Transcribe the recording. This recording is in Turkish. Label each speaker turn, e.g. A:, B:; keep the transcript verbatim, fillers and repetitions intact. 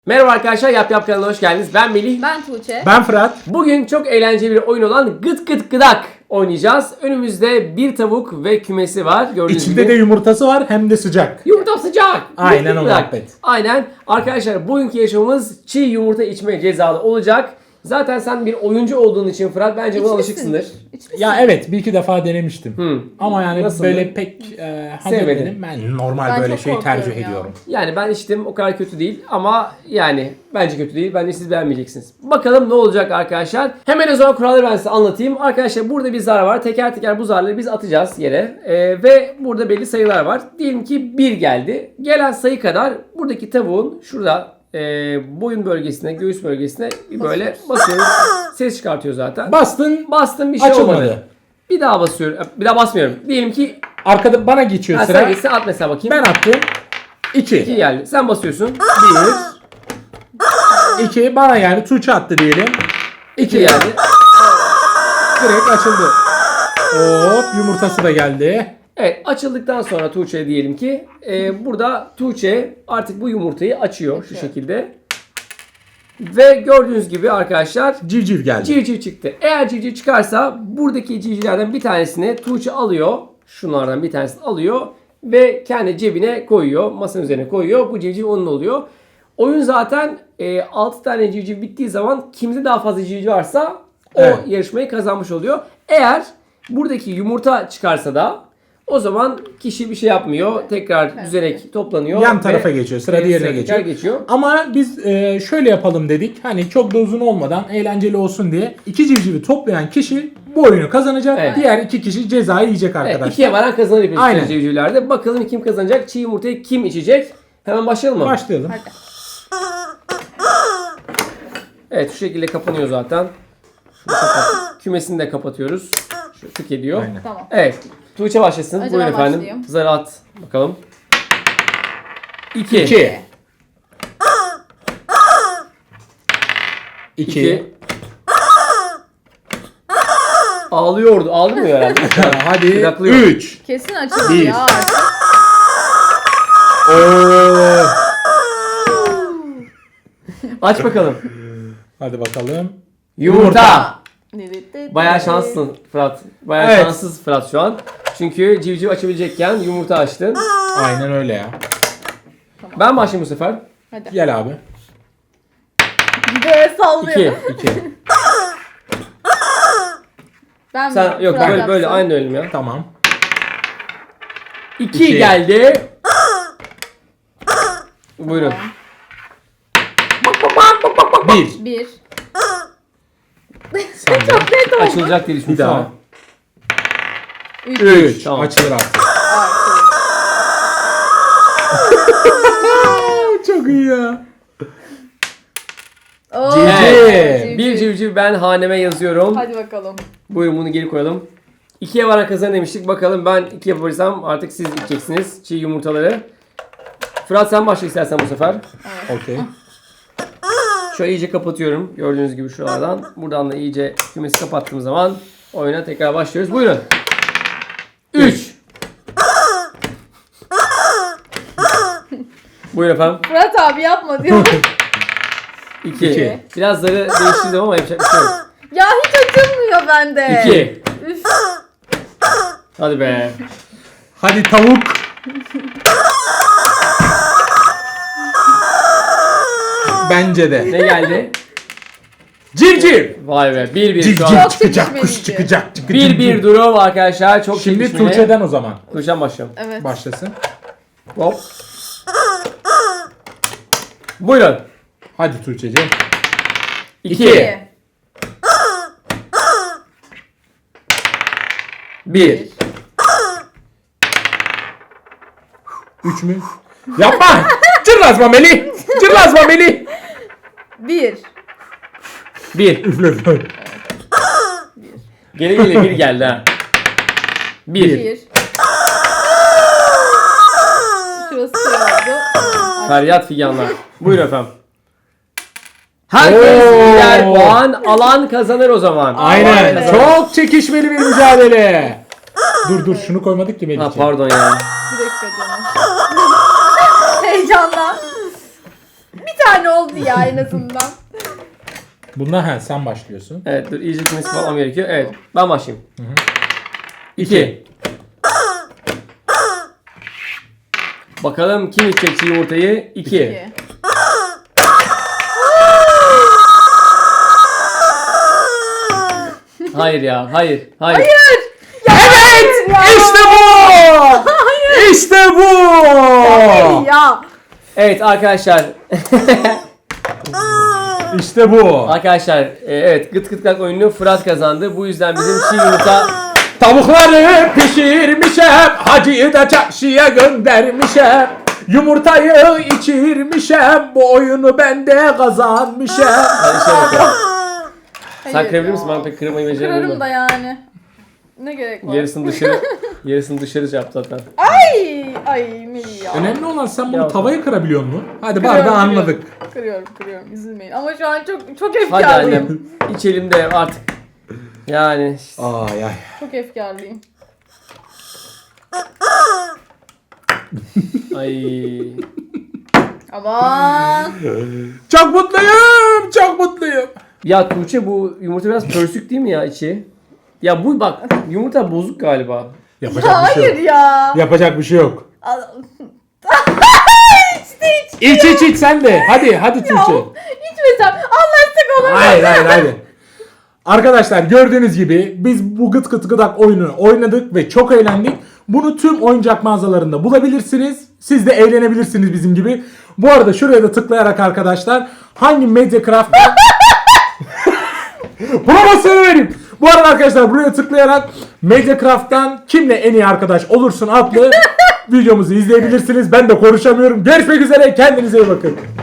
A: Merhaba arkadaşlar, Yap Yap kanalına hoş geldiniz. Ben Melih.
B: Ben Tuğçe.
C: Ben Fırat.
A: Bugün çok eğlenceli bir oyun olan Gıt Gıt Gıdak oynayacağız. Önümüzde bir tavuk ve kümesi var. Gördüğünüz
C: İçinde
A: gibi.
C: de yumurtası var hem de sıcak.
A: Yumurta sıcak.
C: Aynen
A: Gıt Gıt
C: o
A: Gıdak.
C: muhabbet.
A: Aynen. Arkadaşlar bugünkü yaşamımız çiğ yumurta içme cezalı olacak. Zaten sen bir oyuncu olduğun için Fırat bence buna
B: İçmişsin.
A: alışıksındır.
B: İçmişsin.
C: Ya evet bir iki defa denemiştim.
A: Hı.
C: Ama yani
A: Nasıldı?
C: böyle pek e, haz
A: Sevmedin.
C: etmedim. Ben normal
B: Ben
C: böyle
B: çok
C: şey tercih
B: korkuyorum ya.
C: ediyorum.
A: Yani ben içtim, o kadar kötü değil ama yani bence kötü değil. Bence siz beğenmeyeceksiniz. Bakalım ne olacak arkadaşlar. Hemen o zaman kuralları ben size anlatayım. Arkadaşlar burada bir zar var. Teker teker bu zarları biz atacağız yere. Ee, ve burada belli sayılar var. Diyelim ki bir geldi. Gelen sayı kadar buradaki tavuğun şurada e, boyun bölgesine, göğüs bölgesine bir böyle basıyoruz. Ses çıkartıyor zaten.
C: Bastın
A: Bastım, bir şey
C: açılmadı.
A: olmadı. Bir daha basıyorum. Bir daha basmıyorum. Diyelim ki
C: Arkada bana geçiyor
A: ha,
C: sıra.
A: sen gitsin, at mesela bakayım.
C: Ben attım.
A: iki
C: iki.
A: geldi. Sen basıyorsun. bir
C: iki bana yani Tuğçe attı diyelim.
A: iki
C: iki
A: geldi.
C: Direkt açıldı. Hop yumurtası da geldi.
A: Evet, açıldıktan sonra Tuğçe diyelim ki e, burada Tuğçe artık bu yumurtayı açıyor şu şekilde. Ve gördüğünüz gibi arkadaşlar
C: Civciv geldi.
A: civciv çıktı. Eğer civciv çıkarsa buradaki civcivlerden bir tanesini Tuğçe alıyor. Şunlardan bir tanesini alıyor ve kendi cebine koyuyor. Masanın üzerine koyuyor. Bu civciv onun oluyor. Oyun zaten e, altı tane civciv bittiği zaman kimde daha fazla civciv varsa o
C: Evet.
A: yarışmayı kazanmış oluyor. Eğer buradaki yumurta çıkarsa da o zaman kişi bir şey yapmıyor. Tekrar düzenek toplanıyor.
C: Yan
A: ve,
C: tarafa geçiyor. Sıra
A: e,
C: diğerine
A: sıra
C: geçiyor.
A: tekrar geçiyor.
C: Ama biz e, şöyle yapalım dedik. Hani çok da uzun olmadan eğlenceli olsun diye. İki civcivi toplayan kişi bu oyunu kazanacak.
A: Evet.
C: Diğer iki kişi cezayı yiyecek
A: Evet,
C: arkadaşlar.
A: ikiye varan kazanır bir
C: Aynen.
A: civcivlerde. Bakalım kim kazanacak? Çiğ yumurtayı kim içecek? Hemen başlayalım mı?
C: Başlayalım.
B: Hadi.
A: Evet, şu şekilde kapanıyor zaten. Şunu kapat. Kümesini de kapatıyoruz. Şu tık ediyor.
C: Aynen.
B: Tamam.
A: Evet. Tuğçe başlasın.
B: Acaba
A: Buyurun efendim.
B: başlayayım.
A: Zarı at. Bakalım. İki.
C: İki. İki.
A: İki. Ağlıyordu. Ağlamıyor herhalde.
C: Hadi.
A: Bıraklıyor.
C: Üç.
B: Kesin açıldı
C: Bir.
B: ya.
C: Oo.
A: Aç bakalım.
C: Hadi bakalım.
A: Yumurta.
B: Yumurta.
A: Bayağı şanslısın Fırat. Bayağı
C: Evet.
A: şanssız Fırat şu an. Çünkü civciv açabilecekken yumurta açtın.
C: Aynen öyle ya.
A: Ben başlayayım bu sefer.
B: Hadi.
C: Gel abi.
B: Böyle sallıyor.
A: İki.
C: İki.
B: Ben mi?
A: Sen yok
B: Fırat
A: böyle böyle
B: yapsın.
A: aynı ölüm ya.
C: Tamam.
A: İki,
C: İki.
A: geldi. Buyurun.
C: Bir.
B: Bir.
C: Sen de.
A: Açılacak diye
C: Bir
A: düşünmüştüm
C: daha.
A: ama.
B: Üç.
C: Üç.
A: Tamam.
C: Açılır artık.
B: Artı.
C: Çok iyi ya.
B: Oo,
C: Civciv.
B: civciv.
A: Bir civciv ben haneme yazıyorum.
B: Hadi bakalım.
A: Buyurun bunu geri koyalım. İkiye varan kazan demiştik. Bakalım ben iki yapabilirsem artık siz içeceksiniz çiğ yumurtaları. Fırat sen başla istersen bu sefer.
C: Okey.
A: Şöyle iyice kapatıyorum. Gördüğünüz gibi şuralardan. Buradan da iyice kümesi kapattığım zaman oyuna tekrar başlıyoruz. Buyurun. Üç. Buyurun efendim.
B: Fırat abi yapma diyor.
A: İki.
C: İki.
A: Biraz zarı değiştirdim ama yapacak bir şey yok.
B: Ya hiç açılmıyor bende.
A: İki.
B: Üf.
A: Hadi be.
C: Hadi tavuk. Bence de.
A: Ne geldi?
C: Civciv.
A: Vay be. Bir bir
C: Civciv
A: şu an.
B: Çok
C: çıkacak, kuş
B: çekişmeliydi.
C: çıkacak. çıkacak.
A: Bir bir durum arkadaşlar. Çok
C: Şimdi
A: çekişmeli.
C: Tuğçe'den o zaman.
A: Tuğçe'den başlıyorum.
B: Evet.
C: Başlasın.
A: Hop. Buyurun.
C: Hadi Tuğçe'ciğim.
A: İki.
B: İki.
A: Bir.
C: Üç mü? Yapma! Cırlazma Melih! Cırlazma Melih!
B: Bir.
A: Bir.
C: Üfle üfle.
A: Gele gele bir geldi ha. Bir.
B: Bir. Şurası şey oldu.
A: Feryat figanlar. Buyurun efendim. Herkes
C: Oo.
A: birer puan alan kazanır o zaman.
C: Aynen.
B: be.
C: Çok çekişmeli bir mücadele. Dur dur şunu koymadık ki
A: Ha
C: Melih'ciğim.
A: pardon ya.
B: Bir dakika canım. Heyecanla. Bir tane oldu ya en azından.
C: Bundan he, sen başlıyorsun.
A: Evet dur iyice kümesi falan gerekiyor. Evet ben başlayayım. İki. Bakalım kim içecek çiğ yumurtayı? İki.
B: İki.
A: Hayır ya hayır. Hayır.
B: Hayır.
C: Evet!
B: Ya.
C: İşte bu! İşte bu!
B: Hayır ya.
A: Evet arkadaşlar.
C: İşte bu.
A: Arkadaşlar e, evet gıt gıt kalk oyununu Fırat kazandı. Bu yüzden bizim çiğ yumurta
C: Tavukları pişirmişem, hacıyı da çarşıya göndermişem. Yumurtayı içirmişem, bu oyunu ben de kazanmışım.
A: Hadi şey yapalım. Sen
B: Hayır
A: kırabilir
B: ya.
A: misin? Ben pek kırmayı beceremiyorum.
B: Kırarım da yani. Ne gerek var?
A: Yarısını dışarı yarısını dışarı şey yaptı zaten.
B: Ay ay Melih ya.
C: Önemli olan sen bunu
A: Ya.
C: tavaya kırabiliyor musun? Hadi
B: Kırıyorum,
C: bardağı
B: kırıyorum.
C: anladık.
B: Kırıyorum kırıyorum üzülmeyin. Ama şu an çok çok
A: Hadi
B: efkarlıyım.
A: annem içelim de artık. Yani
C: Ay ay.
B: Çok efkarlıyım.
A: ay.
B: Aman.
C: Çok mutluyum, çok mutluyum.
A: Ya Tuğçe bu yumurta biraz pörsük değil mi ya içi? Ya bu bak yumurta bozuk galiba.
C: Yapacak bir şey
B: Hayır
C: yok.
B: ya.
C: Yapacak bir şey yok.
B: Al-
C: İç iç iç sen de. Hadi hadi Tuğçe.
B: İçmesem anlaştık olur mu?
C: Hayır hayır hayır. Arkadaşlar gördüğünüz gibi biz bu gıt gıt gıdak oyunu oynadık ve çok eğlendik. Bunu tüm oyuncak mağazalarında bulabilirsiniz. Siz de eğlenebilirsiniz bizim gibi. Bu arada şuraya da tıklayarak arkadaşlar hangi Mediacraft promosyonu vereyim. Bu arada arkadaşlar buraya tıklayarak Mediacraft'tan kimle en iyi arkadaş olursun adlı videomuzu izleyebilirsiniz. Ben de konuşamıyorum. Görüşmek üzere. Kendinize iyi bakın.